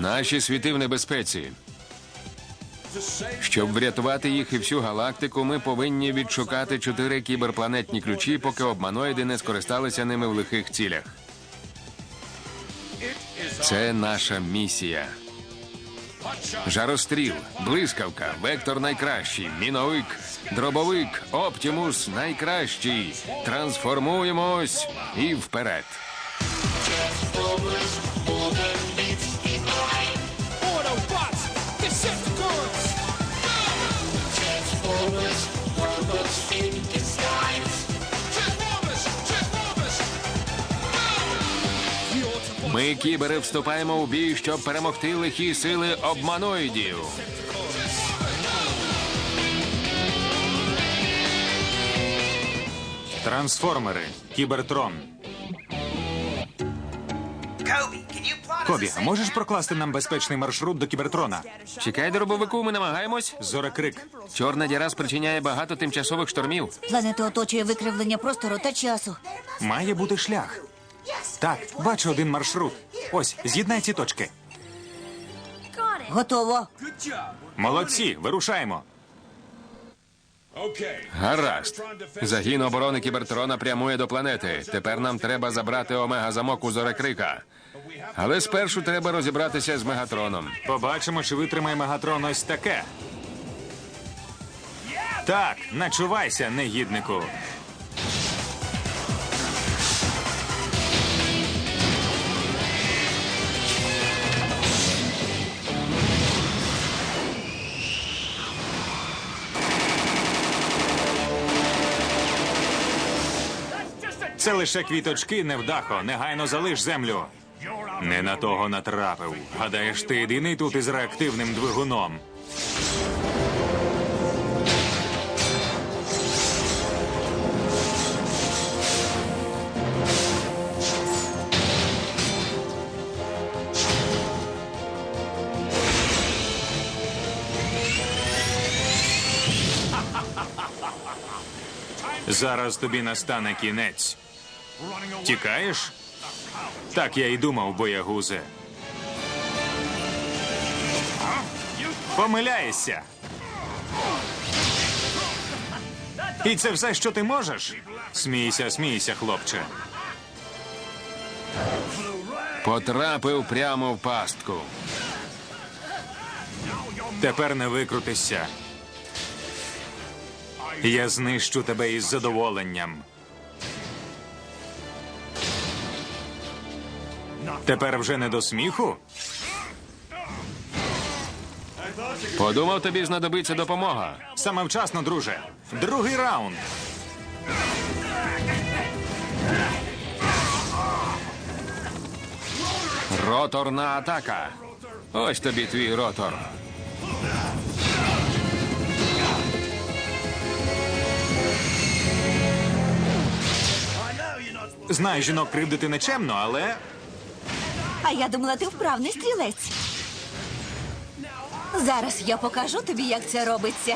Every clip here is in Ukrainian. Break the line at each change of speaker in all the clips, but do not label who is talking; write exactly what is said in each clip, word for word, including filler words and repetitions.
Наші світи в небезпеці. Щоб врятувати їх і всю галактику, ми повинні відшукати чотири кіберпланетні ключі, поки обманоїди не скористалися ними в лихих цілях. Це наша місія. Жаростріл, блискавка, вектор найкращий, міновик, дробовик, Оптімус найкращий. Трансформуємось і вперед. Ми, кібери, вступаємо у бій, щоб перемогти лихі сили обманоїдів.
Трансформери. Кібертрон. Кобі, а можеш прокласти нам безпечний маршрут до Кібертрона?
Чекай, дробовику, ми намагаємось.
Зорекрик.
Чорна діра спричиняє багато тимчасових штормів.
Планету оточує викривлення простору та часу.
Має бути шлях. Так, бачу один маршрут. Ось, з'єднай ці точки.
Готово.
Молодці, вирушаємо.
Гаразд. Загін оборони Кібертрона прямує до планети. Тепер нам треба забрати омега-замок у Зорекрика. Але спершу треба розібратися з Мегатроном.
Побачимо, чи витримає Мегатрон ось таке. Так, начувайся, негіднику. Це лише квіточки, невдахо. Негайно залиш землю. Не на того натрапив. Гадаєш, ти єдиний тут із реактивним двигуном. Зараз тобі настане кінець. Тікаєш? Так я й думав, боягузе. Помиляєшся. І це все, що ти можеш? Смійся, смійся, хлопче.
Потрапив прямо в пастку.
Тепер не викрутишся. Я знищу тебе із задоволенням. Тепер вже не до сміху?
Подумав, тобі знадобиться допомога.
Саме вчасно, друже. Другий раунд.
Роторна атака. Ось тобі твій ротор.
Знаю, жінок кривдити нечемно, але...
А я думала, ти вправний стрілець. Зараз я покажу тобі, як це робиться.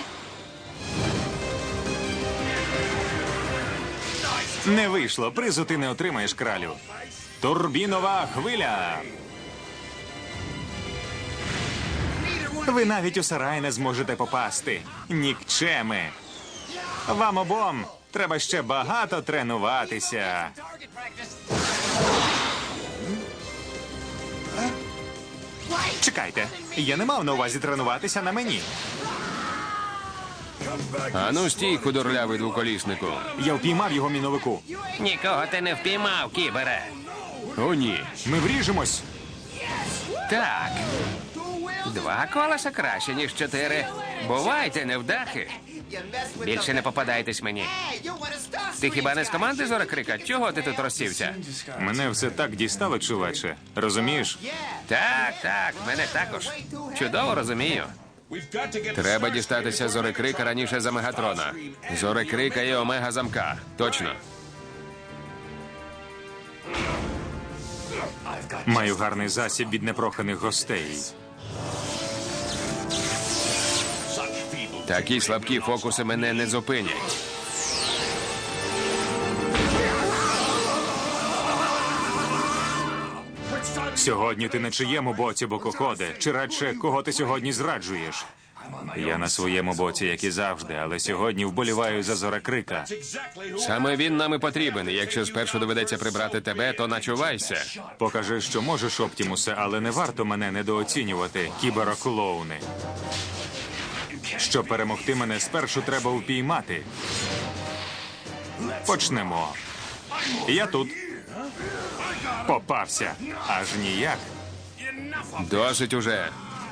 Не вийшло. Призу ти не отримаєш, кралю. Турбінова хвиля. Ви навіть у сарай не зможете попасти. Нікчеми. Вам обом треба ще багато тренуватися. Чекайте, я не мав на увазі тренуватися на мені.
Ану стій, худорлявий двоколіснику.
Я впіймав його міновику.
Нікого ти не впіймав, кібере. О, ні.
Ми вріжемось.
Так. Два колеса краще, ніж чотири. Бувайте, невдахи. Більше не попадайтесь мені. Ти хіба не з команди Зорекрика? Чого ти тут розсівся?
Мене все так дістало, чуваче. Розумієш?
Так, так, мене також. Чудово розумію. Треба дістатися Зорекрика раніше за Мегатрона. Зорекрика і Омега-замка. Точно.
Маю гарний засіб від непроханих гостей.
Такі слабкі фокуси мене не зупинять.
Сьогодні ти на чиєму боці, Бокоходе? Чи радше, кого ти сьогодні зраджуєш? Я на своєму боці, як і завжди, але сьогодні вболіваю за Зорекрика.
Саме він нам і потрібен. І якщо спершу доведеться прибрати тебе, то начувайся.
Покажи, що можеш, Оптімусе, але не варто мене недооцінювати, кібероклоуни. Щоб перемогти мене, спершу треба упіймати. Почнемо. Я тут. Попався. Аж ніяк.
Досить уже.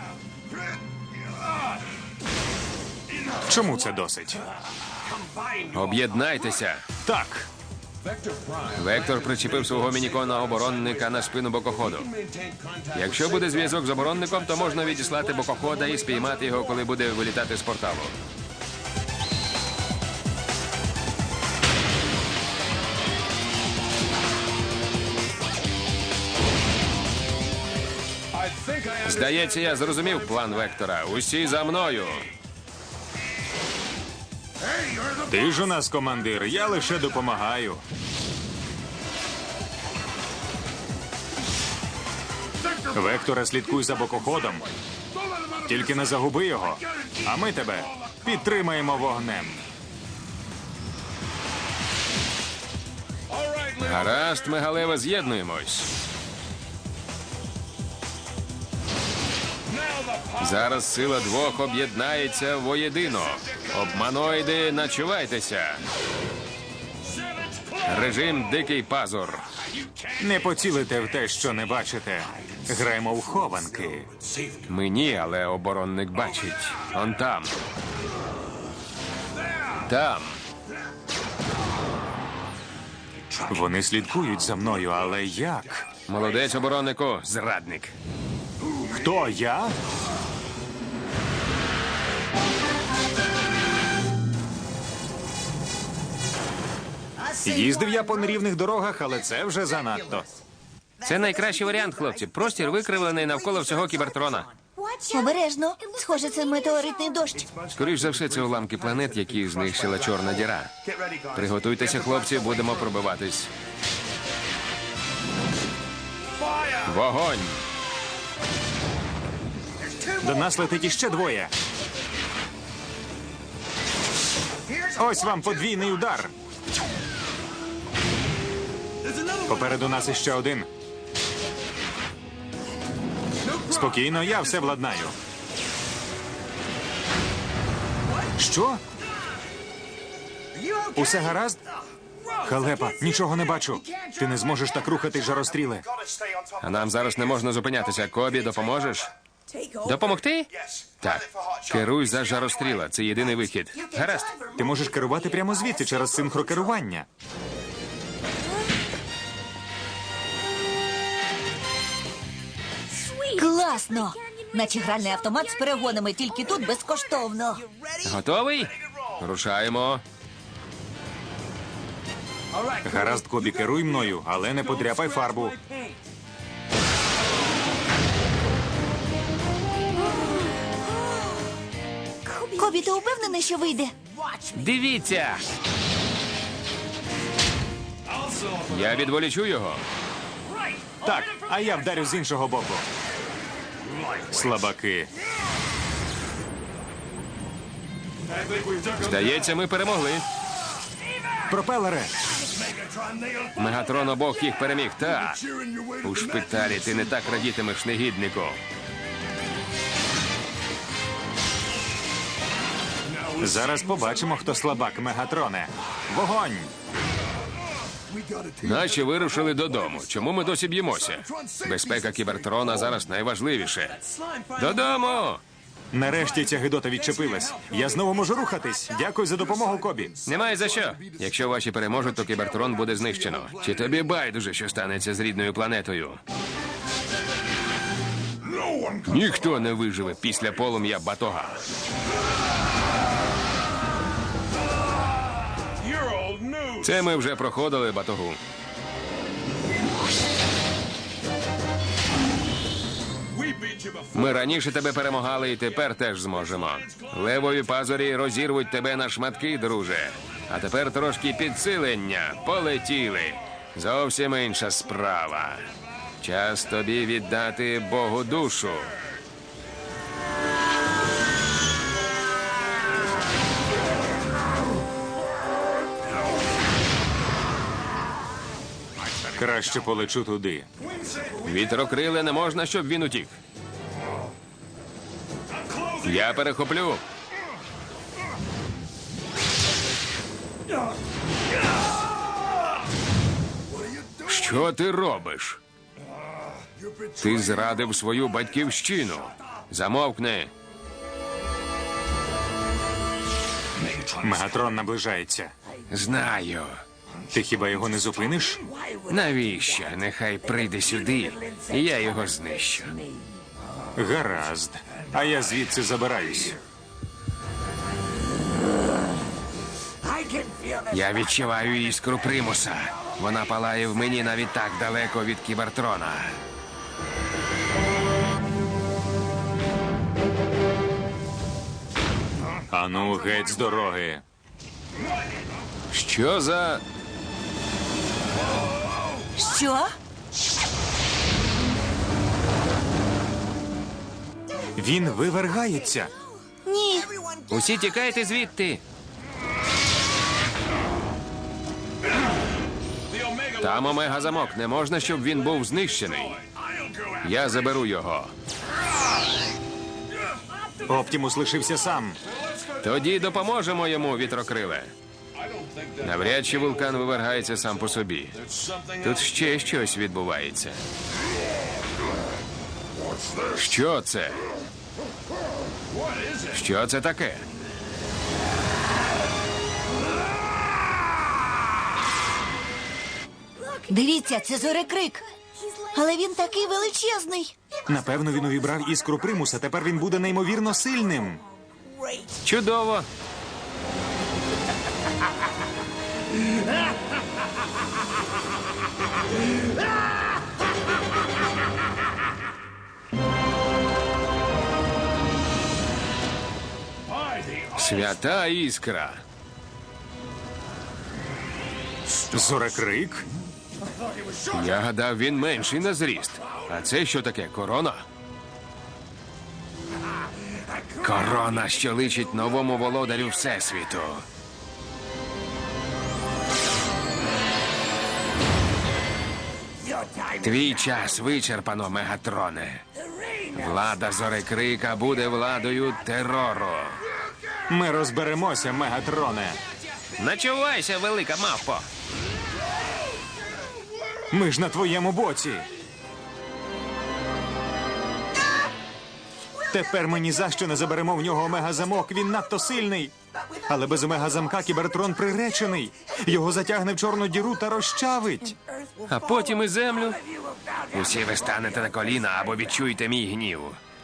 Чому це досить?
Об'єднайтеся.
Так.
Вектор причепив свого мінікона оборонника на спину Бокоходу. Якщо буде зв'язок з оборонником, то можна відіслати Бокохода і спіймати його, коли буде вилітати з порталу. Здається, я зрозумів план Вектора. Усі за мною.
Ти ж у нас командир, я лише допомагаю. Векторе, слідкуй за Бокоходом. Тільки не загуби його. А ми тебе підтримаємо вогнем.
Гаразд, Мегалева, з'єднуємось. Зараз сила двох об'єднається воєдино. Обманоїди, начувайтеся. Режим Дикий Пазур.
Не поцілите в те, що не бачите. Граємо в хованки.
Мені, але оборонник бачить. Он там. Там.
Вони слідкують за мною, але як?
Молодець, обороннику, зрадник.
Хто я? Їздив я по нерівних дорогах, але це вже занадто.
Це найкращий варіант, хлопці. Простір викривлений навколо всього Кібертрона.
Обережно. Схоже, це метеоритний дощ.
Скоріш за все, це уламки планет, які знищила чорна діра. Приготуйтеся, хлопці, будемо пробиватись. Вогонь!
До нас летить іще двоє. Ось вам подвійний удар. Попереду нас іще один. Спокійно, я все владнаю. Що? Усе гаразд? Халепа, нічого не бачу. Ти не зможеш так рухати, жаростріле.
А нам зараз не можна зупинятися. Кобі, допоможеш? Допомогти? Так. Керуй за жаростріла. Це єдиний вихід. Гаразд.
Ти можеш керувати прямо звідси через синхрокерування.
Класно! Наче гральний автомат з перегонами, тільки тут безкоштовно.
Готовий? Рушаємо.
Гаразд, Кобі, керуй мною, але не подряпай фарбу.
Кобі, ти упевнений, що вийде?
Дивіться! Я відволічу його.
Так, а я вдарю з іншого боку. Слабаки.
Здається, ми перемогли.
Пропелери!
Мегатрон обох їх переміг. Так. У шпиталі ти не так радітимеш, негіднику.
Зараз побачимо, хто слабак, Мегатроне. Вогонь!
Наші вирушили додому. Чому ми досі б'ємося? Безпека Кібертрона зараз найважливіше. Додому!
Нарешті ця гидота відчепилась. Я знову можу рухатись. Дякую за допомогу, Кобі.
Немає за що. Якщо ваші переможуть, то Кібертрон буде знищено. Чи тобі байдуже, що станеться з рідною планетою? Ніхто не виживе після полум'я батога. Це ми вже проходили, батогу. Ми раніше тебе перемагали і тепер теж зможемо. Левові пазурі розірвуть тебе на шматки, друже. А тепер трошки підсилення. Полетіли. Зовсім інша справа. Час тобі віддати Богу душу.
Краще полечу туди.
Вітрокриле не можна, щоб він утік. Я перехоплю. Що ти робиш? Ти зрадив свою батьківщину. Замовкни.
Мегатрон наближається.
Знаю.
Ти хіба його не зупиниш?
Навіщо? Нехай прийде сюди, і я його знищу.
Гаразд. А я звідси забираюсь.
Я відчуваю іскру примуса. Вона палає в мені навіть так далеко від Кібертрона.
Ану, геть з дороги.
Що за...
Що?
Він вивергається.
Ні.
Усі тікайте звідти. Там омега-замок. Не можна, щоб він був знищений. Я заберу його.
Оптімус лишився сам.
Тоді допоможемо йому, вітрокриле. Навряд чи вулкан вивергається сам по собі. Тут ще щось відбувається. Що це? Що це таке?
Дивіться, це зорекрик. Але він такий величезний.
Напевно, він увібрав іскру примуса. Тепер він буде неймовірно сильним.
Чудово. Свята іскра.
Зорекрик?
Я гадав, він менший на зріст. А це що таке? Корона? Корона, що личить новому володарю Всесвіту. Твій час вичерпано, Мегатроне. Влада Зорекрика буде владою терору.
Ми розберемося, Мегатроне.
Начувайся, велика мавпо.
Ми ж на твоєму боці. Тепер ми ні за що не заберемо в нього омега-замок. Він надто сильний. Але без омега-замка Кібертрон приречений. Його затягне в чорну діру та розчавить.
А потім і землю. Усі ви станете на коліна або відчуєте мій гнів.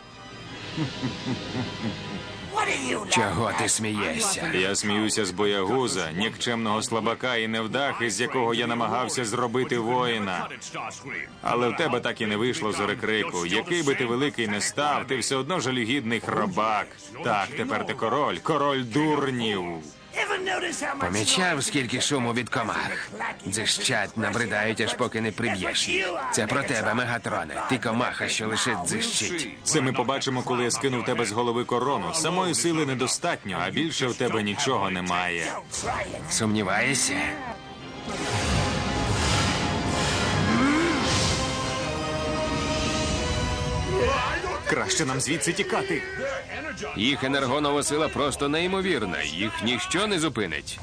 Чого ти смієшся?
Я сміюся з боягуза, нікчемного слабака і невдахи, з якого я намагався зробити воїна. Але в тебе так і не вийшло, Зорекрику. Який би ти великий не став, ти все одно жалюгідний хробак. Так, тепер ти король, король дурнів.
Помічав, скільки шуму від комах. Дзищать, набридають, аж поки не приб'єш їх. Це про тебе, Мегатроне. Ти комаха, що лише дзищить.
Це ми побачимо, коли я скину в тебе з голови корону. Самої сили недостатньо, а більше в тебе нічого немає.
Сумніваєшся?
Краще нам звідси тікати.
Їх енергонова сила просто неймовірна. Їх ніщо не зупинить.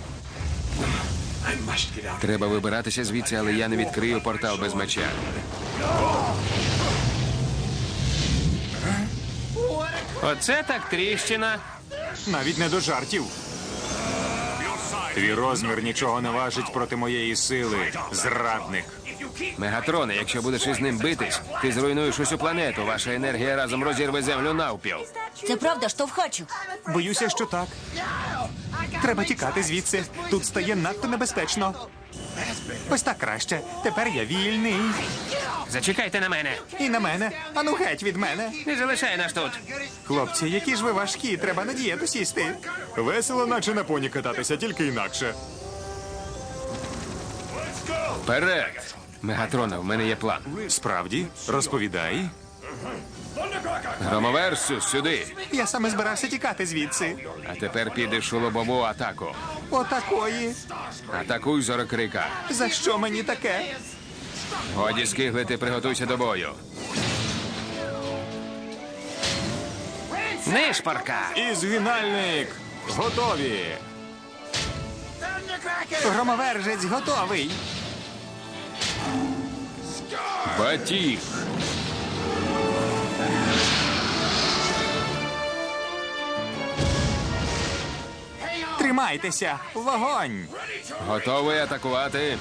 Треба вибиратися звідси, але я не відкрию портал без меча. Оце так тріщина.
Навіть не до жартів. Твій розмір нічого не важить проти моєї сили, зрадник.
Мегатроне, якщо будеш із ним битись, ти зруйнуєш усю планету. Ваша енергія разом розірве землю навпіл.
Це правда, штовхачу.
Боюся, що так. Треба тікати звідси. Тут стає надто небезпечно. Ось так краще. Тепер я вільний.
Зачекайте на мене.
І на мене. Ану геть від мене.
Не залишай нас тут.
Хлопці, які ж ви важкі, треба на дієту сісти. Весело, наче на поні кататися, тільки інакше.
Вперед! Мегатрона, в мене є план.
Справді? Розповідай.
Громоверсус, сюди.
Я саме збирався тікати звідси.
А тепер підеш у лобову атаку.
Отакої.
Атакуй зорокрика.
За що мені таке?
Годі скиглити, приготуйся до бою. Нишпорка!
І згинальник. Готові. Громовержець готовий.
Батіг!
Тримайтеся. Вогонь.
Готовий атакувати?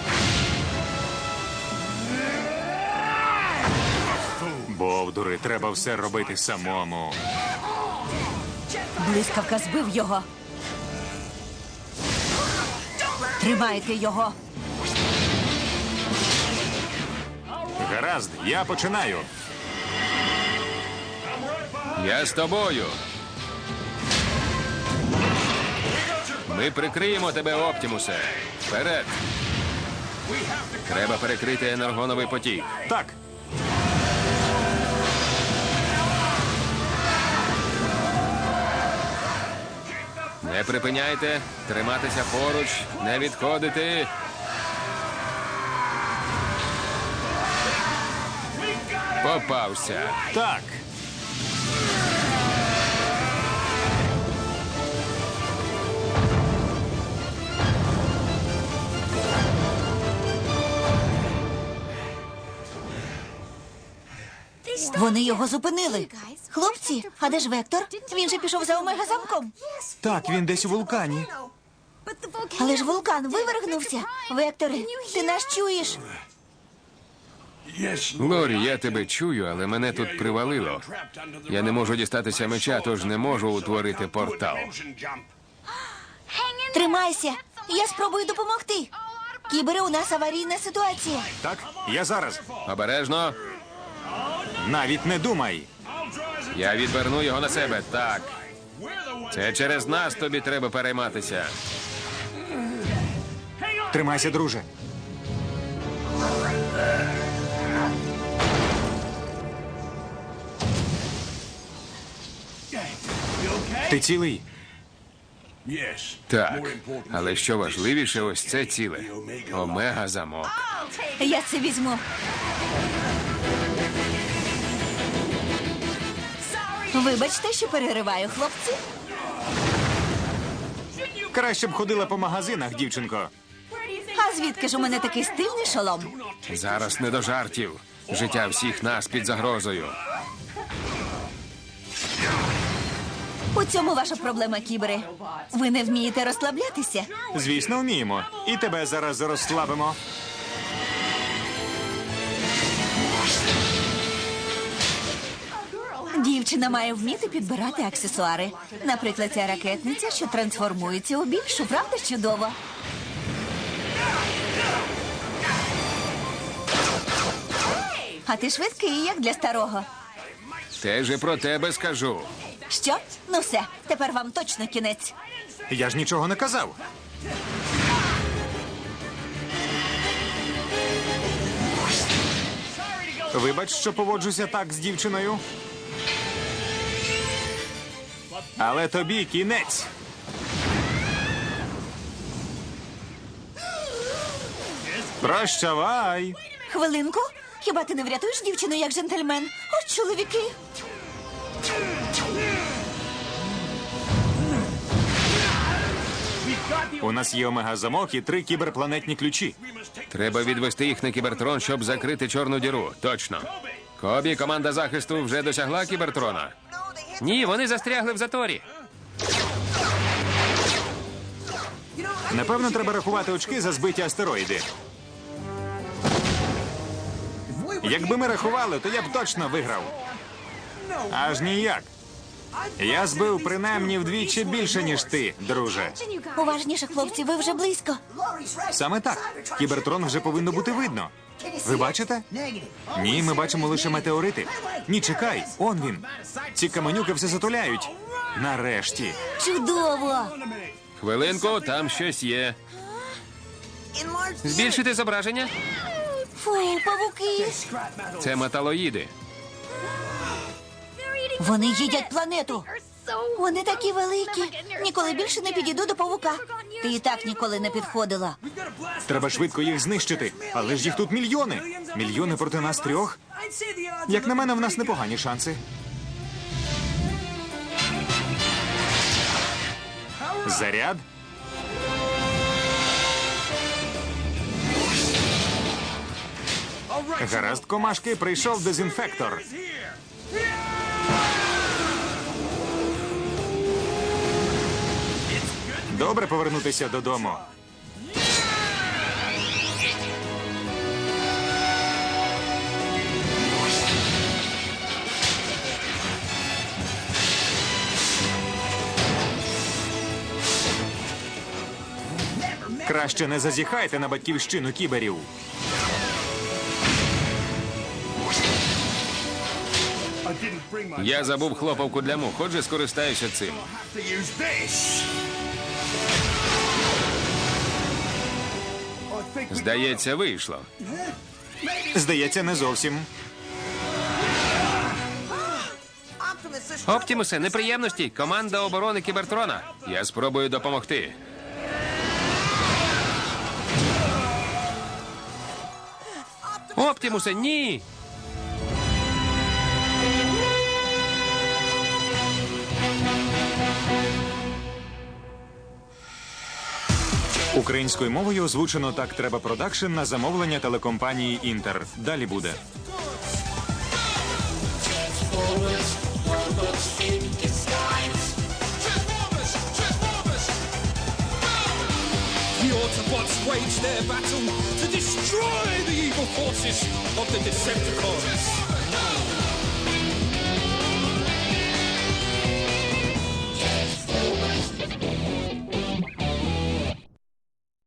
Бовдури, треба все робити самому.
Блискавка збив його. Тримайте його.
Гаразд, я починаю.
Я з тобою. Ми прикриємо тебе, Оптімусе. Вперед! Треба перекрити енергоновий потік.
Так.
Не припиняйте, триматися поруч, не відходити. Попався.
Так.
Вони його зупинили. Хлопці, а де ж Вектор? Він же пішов за омега-замком.
Так, він десь у вулкані.
Але ж вулкан вивергнувся. Векторе, ти нас чуєш?
Лорі, я тебе чую, але мене тут привалило. Я не можу дістатися меча, тож не можу утворити портал.
Тримайся, я спробую допомогти. Кібере, у нас аварійна ситуація.
Так, я зараз.
Обережно.
Навіть не думай.
Я відверну його на себе. Так. Це через нас тобі треба перейматися.
Тримайся, друже. Ти цілий?
Так. Але що важливіше, ось це ціле. Омега-замок.
Я це візьму. Вибачте, що перериваю, хлопці.
Краще б ходила по магазинах, дівчинко.
А звідки ж у мене такий стильний шолом?
Зараз не до жартів. Життя всіх нас під загрозою.
У цьому ваша проблема, кібере. Ви не вмієте розслаблятися.
Звісно, вміємо. І тебе зараз розслабимо.
Дівчина має вміти підбирати аксесуари. Наприклад, ця ракетниця, що трансформується у більшу, правда ж чудово? А ти швидкий, як для старого.
Теж і про тебе скажу.
Що? Ну все, тепер вам точно кінець.
Я ж нічого не казав. Вибач, що поводжуся так з дівчиною. Але тобі кінець. Прощавай.
Хвилинку. Хіба ти не врятуєш дівчину як джентльмен? Ось чоловіки.
У нас є омега-замок і три кіберпланетні ключі.
Треба відвести їх на кібертрон, щоб закрити чорну діру. Точно. Кобі, команда захисту вже досягла кібертрона. Ні, вони застрягли в заторі.
Напевно, треба рахувати очки за збиті астероїди. Якби ми рахували, то я б точно виграв. Аж ніяк. Я збив принаймні вдвічі більше, ніж ти, друже.
Уважніше, хлопці, ви вже близько.
Саме так. Кібертрон вже повинно бути видно. Ви бачите? Ні, ми бачимо лише метеорити. Ні, чекай, он він. Ці каменюки все затуляють. Нарешті.
Чудово!
Хвилинку, там щось є. Збільшити зображення?
Фу, павуки.
Це металоїди.
Вони їдять планету. Вони такі великі. Ніколи більше не підійду до павука. Ти і так ніколи не підходила.
Треба швидко їх знищити. Але ж їх тут мільйони. Мільйони проти нас трьох. Як на мене, в нас непогані шанси. Заряд. Гаразд, комашки, прийшов дезінфектор. Добре повернутися додому. Краще не зазіхайте на батьківщину кіберів.
Я забув хлопавку для мух, отже скористаюся цим. Здається, вийшло.
Здається, не зовсім.
Оптімусе, неприємності. Команда оборони Кібертрона. Я спробую допомогти. Оптімусе, ні!
Українською мовою озвучено «Так треба продакшн» на замовлення телекомпанії «Інтер». Далі буде.
The Autobots wage their battle to destroy the evil forces of the Decepticons.